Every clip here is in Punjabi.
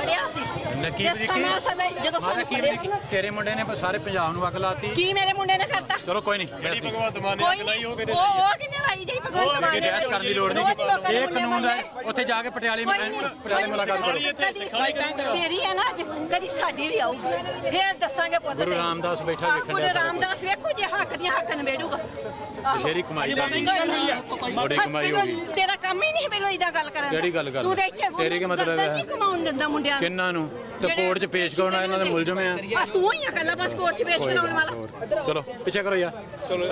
ਪੜਿਆ ਸੀ ਨਕੀਬ ਤੇ ਸਮਾਂ ਸਦਾ ਜਦੋਂ ਸਾਨੂੰ ਪੜਿਆ ਤੇਰੇ ਮੁੰਡੇ ਨੇ ਸਾਰੇ ਪੰਜਾਬ ਨੂੰ ਅੱਗ ਲਾਤੀ। ਕੀ ਮੇਰੇ ਮੁੰਡੇ ਨੇ ਕਰਤਾ? ਚਲੋ ਕੋਈ ਨਹੀਂ, ਜਿਹੜੀ ਭਗਵੰਤ ਮਾਨ ਨੇ ਕੋਈ ਅੱਗ ਲਾਈ ਉਹ ਕਿਹਦੇ ਉਹ ਕਿੰਨੇ ਲਾਈ ਜਿਹੜੀ ਭਗਵੰਤ ਮਾਨ ਨੇ ਬਹਿਸ ਕਰਨ ਦੀ ਲੋੜ ਨਹੀਂ। ਇਹ ਕਾਨੂੰਨ ਹੈ, ਉੱਥੇ ਜਾ ਕੇ ਪਟਿਆਲੇ ਮੁਲਾਕਾਤ ਕਰੋ। ਤੇਰੀ ਹੈ ਨਾ ਅੱਜ, ਕਦੀ ਸਾਡੀ ਵੀ ਆਊਗੀ, ਫੇਰ ਦੱਸਾਂਗੇ ਪੁੱਤ। ਗੁਰੂ ਰਾਮਦਾਸ ਬੈਠਾ ਵੇਖਣ ਗੁਰੂ ਰਾਮਦਾਸ ਵੇਖੋ ਜੇ ਹੱਕ ਦੀਆਂ ਹੱਕ ਨਵੇੜੂਗਾ। ਤੇਰੀ ਕਮਾਈ ਦਾ ਬੜੀ ਕਮਾਈ ਹੋ ਗਈ। ਤੇਰਾ ਕੰਮ ਹੀ ਨਹੀਂ ਮੈਨੂੰ ਇਦਾਂ ਗੱਲ ਕਰਨ ਦਾ। ਕਿਹੜੀ ਗੱਲ ਕਰ? ਤੂੰ ਦੇਖੇ ਤੇਰੀ ਕੀ ਮਤਲਬ ਹੈ? ਨਹੀਂ ਕਮਾਉਣ ਦਿੰਦਾ ਮੁੰਡਿਆਂ ਨੂੰ। ਕਿੰਨਾਂ ਨੂੰ ਤੇ ਕੋਰਟ 'ਚ ਪੇਸ਼ ਕਰਾਉਣਾ, ਇਹਨਾਂ ਦੇ ਮੁਲਜ਼ਮ ਆ। ਆ ਤੂੰ ਹੀ ਆ ਕੱਲਾ ਬਸ ਕੋਰਟ 'ਚ ਪੇਸ਼ ਕਰਾਉਣ ਵਾਲਾ। ਚਲੋ ਪਿੱਛੇ ਕਰੋ ਯਾਰ। ਚਲੋ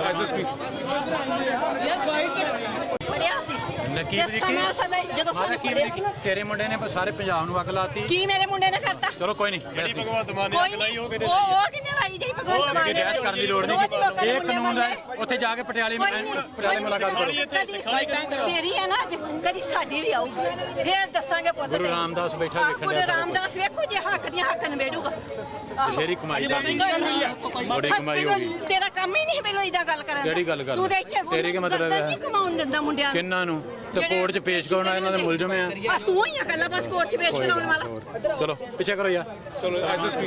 ਪੜਿਆ ਸੀ ਨਕੀਬ ਤੇ ਸਮਾਂ ਸਦਾ ਜਦੋਂ ਸਾਨੂੰ ਪੜਿਆ। ਤੇਰੇ ਮੁੰਡੇ ਨੇ ਸਾਰੇ ਪੰਜਾਬ ਨੂੰ ਅੱਗ ਲਾਤੀ। ਕੀ ਮੇਰੇ ਮੁੰਡੇ ਨੇ ਕਰਤਾ? ਚਲੋ ਕੋਈ ਨਹੀਂ, ਜਿਹੜੀ ਭਗਵੰਤ ਮਾਨ ਨੇ ਅੱਗ ਲਾਈ ਉਹ ਕਿਹਦੇ ਉਹ ਕਿੰਨੇ ਲਾਈ ਜਿਹੜੀ ਭਗਵੰਤ ਮਾਨ ਨੇ? ਬਹਿਸ ਕਰਨ ਦੀ ਲੋੜ ਨਹੀਂ। ਇਹ ਕਾਨੂੰਨ ਹੈ, ਉੱਥੇ ਜਾ ਕੇ ਪਟਿਆਲੇ ਮੁਲਾਕਾਤ ਕਰੋ। ਤੇਰੀ ਹੈ ਨਾ ਅੱਜ, ਕਦੀ ਸਾਡੀ ਵੀ ਆਊਗੀ, ਫੇਰ ਦੱਸਾਂਗੇ ਪੁੱਤ। ਗੁਰੂ ਰਾਮਦਾਸ ਬੈਠਾ ਵੇਖਣ ਗੁਰੂ ਰਾਮਦਾਸ ਵੇਖੋ ਜੇ ਹੱਕ ਦੀਆਂ ਹੱਕ ਨਵੇੜੂਗਾ। ਤੇਰੀ ਕਮਾਈ ਦਾ ਬੜੀ ਕਮਾਈ ਹੋ ਗਈ। ਤੇਰਾ ਕੰਮ ਹੀ ਨਹੀਂ ਮੈਨੂੰ ਇਦਾਂ ਗੱਲ ਕਰਨ ਦਾ। ਕਿਹੜੀ ਗੱਲ ਕਰ? ਤੂੰ ਦੇਖੇ ਤੇਰੀ ਕੀ ਮਤਲਬ ਹੈ? ਨਹੀਂ ਕਮਾਉਣ ਦਿੰਦਾ ਮੁੰਡਿਆਂ ਨੂੰ। ਕਿੰਨਾਂ ਨੂੰ ਤੇ ਕੋਰਟ 'ਚ ਪੇਸ਼ ਕਰਾਉਣਾ, ਇਹਨਾਂ ਦੇ ਮੁਲਜ਼ਮ ਆ। ਤੂੰ ਹੀ ਆ ਕੱਲਾ ਬਸ ਕੋਰਟ 'ਚ ਪੇਸ਼ ਕਰਾਉਣ ਵਾਲਾ। ਚਲੋ ਪਿੱਛੇ ਕਰੋ ਯਾਰ। ਚਲੋ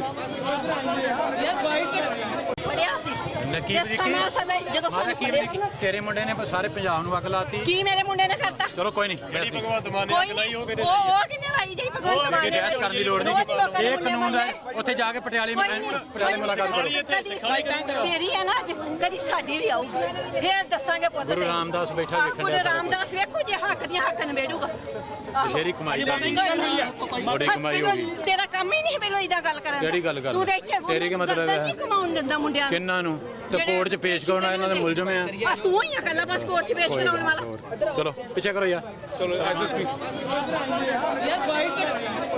ਪੜਿਆ ਸੀ ਨਕੀਬ ਤੇ ਸਮਾਂ ਸਦਾ ਜਦੋਂ ਸਾਨੂੰ ਪੜਿਆ। ਤੇਰੇ ਮੁੰਡੇ ਨੇ ਸਾਰੇ ਪੰਜਾਬ ਨੂੰ ਅੱਗ ਲਾਤੀ। ਕੀ ਮੇਰੇ ਮੁੰਡੇ ਨੇ ਕਰਤਾ? ਚਲੋ ਕੋਈ ਨਹੀਂ, ਜਿਹੜੀ ਭਗਵੰਤ ਮਾਨ ਨੇ ਅੱਗ ਲਾਈ ਉਹ ਕਿਹਦੇ ਉਹ ਕਿੰਨੇ ਲਾਈ ਜਿਹੜੀ ਭਗਵੰਤ ਮਾਨ ਨੇ? ਬਹਿਸ ਕਰਨ ਦੀ ਲੋੜ ਨਹੀਂ। ਇਹ ਕਾਨੂੰਨ ਹੈ, ਉੱਥੇ ਜਾ ਕੇ ਪਟਿਆਲੇ ਮੁਲਾਕਾਤ ਕਰੋ। ਤੇਰੀ ਹੈ ਨਾ ਅੱਜ, ਕਦੀ ਸਾਡੀ ਵੀ ਆਊਗੀ, ਫੇਰ ਦੱਸਾਂਗੇ ਪੁੱਤ। ਗੁਰੂ ਰਾਮਦਾਸ ਬੈਠਾ ਵੇਖਣ ਗੁਰੂ ਰਾਮਦਾਸ ਵੇਖੋ ਜੇ ਹੱਕ ਦੀਆਂ ਹੱਕ ਨਵੇੜੂਗਾ। ਤੇਰੀ ਕਮਾਈ ਦਾ ਬੜੀ ਕਮਾਈ ਹੋ ਗਈ। ਤੇਰਾ ਕੰਮ ਹੀ ਨਹੀਂ ਮੈਨੂੰ ਇਦਾਂ ਗੱਲ ਕਰਨ ਦਾ। ਕਿਹੜੀ ਗੱਲ ਕਰ? ਤੂੰ ਦੇਖੇ ਤੇਰੀ ਕੀ ਮਤਲਬ ਹੈ? ਨਹੀਂ ਕਮਾਉਣ ਦਿੰਦਾ ਮੁੰਡਿਆਂ ਨੂੰ। ਕਿੰਨਾਂ ਨੂੰ ਤੇ ਕੋਰਟ 'ਚ ਪੇਸ਼ ਕਰਾਉਣਾ, ਇਹਨਾਂ ਦੇ ਮੁਲਜ਼ਮ ਆ। ਤੂੰ ਹੀ ਆ ਕੱਲਾ ਬਸ ਕੋਰਟ 'ਚ ਪੇਸ਼ ਕਰਾਉਣ ਵਾਲਾ। ਚਲੋ ਪਿੱਛੇ ਕਰੋ ਯਾਰ। ਚਲੋ